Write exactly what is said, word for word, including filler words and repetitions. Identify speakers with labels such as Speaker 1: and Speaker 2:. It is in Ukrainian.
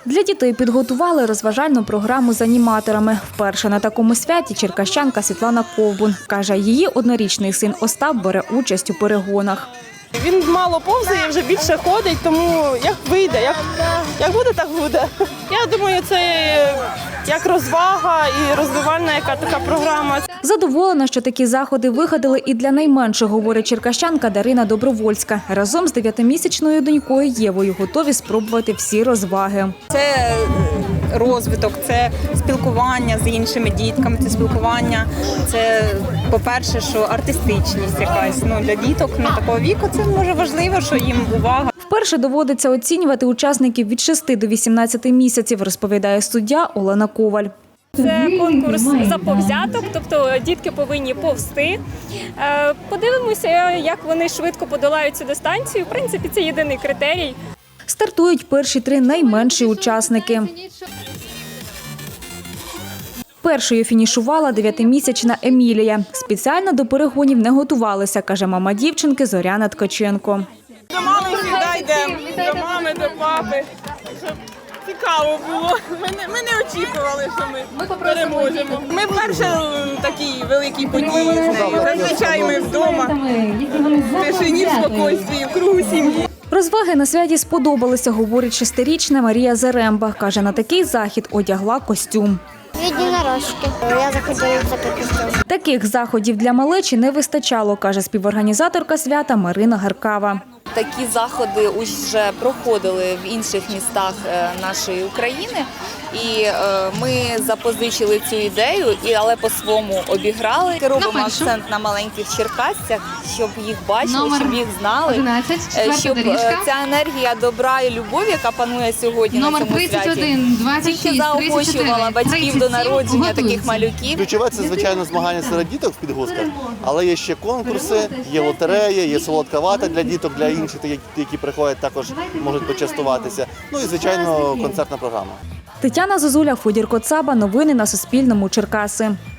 Speaker 1: Для дітей підготували розважальну програму з аніматорами. Вперше на такому святі черкащанка Світлана Ковбун. Каже, її однорічний син Остап бере участь у перегонах.
Speaker 2: Він мало повзає, вже більше ходить, тому як вийде, як, як буде, так буде. Я думаю, це як розвага і розвивальна яка така програма.
Speaker 1: Задоволена, що такі заходи вигадали і для найменших, говорить черкащанка Дарина Добровольська. Разом з дев'ятимісячною донькою Євою готові спробувати всі розваги.
Speaker 3: Це розвиток, це спілкування з іншими дітками, це спілкування, це, по-перше, що артистичність якась. Ну, для діток на такого віку це може важливо, що їм увага.
Speaker 1: Вперше доводиться оцінювати учасників від шести до вісімнадцяти місяців, розповідає суддя Олена Коваль.
Speaker 4: Це конкурс заповзяток, тобто дітки повинні повзти. Подивимося, як вони швидко подолають цю дистанцію. В принципі, це єдиний критерій.
Speaker 1: Стартують перші три найменші учасники. Першою фінішувала дев'ятимісячна Емілія. Спеціально до перегонів не готувалися, каже мама дівчинки Зоряна Ткаченко.
Speaker 2: До мами завжди йдемо, до мами, до папи. Щоб цікаво було. Ми не, ми не очікували, що ми переможемо. Ми вперше такі великі події з нею. Зазвичай ми вдома, в тишині, в спокійстві, в кругу сім'ї.
Speaker 1: Розваги на святі сподобалися, говорить шестирічна Марія Заремба. Каже, на такий захід одягла костюм.
Speaker 5: Єдинорожки. Я захотіла в такий костюм.
Speaker 1: Таких заходів для малечі не вистачало, каже співорганізаторка свята Марина Гаркава.
Speaker 6: Такі заходи вже проходили в інших містах нашої України, і ми запозичили цю ідею, але по-своєму обіграли. Робимо акцент на маленьких черкасцях, щоб їх бачили, щоб їх знали, щоб ця енергія добра і любові, яка панує сьогодні на цьому святі, тільки заохочувала батьків до народження таких малюків.
Speaker 7: Ключове – це, звичайно, змагання серед діток в підгузках, але є ще конкурси, є лотереї, є солодка вата для діток, для інших, які приходять, також можуть почастуватися. Ну і, звичайно, концертна програма.
Speaker 1: Тетяна Зозуля, Федір Коцаба. Новини на Суспільному. Черкаси.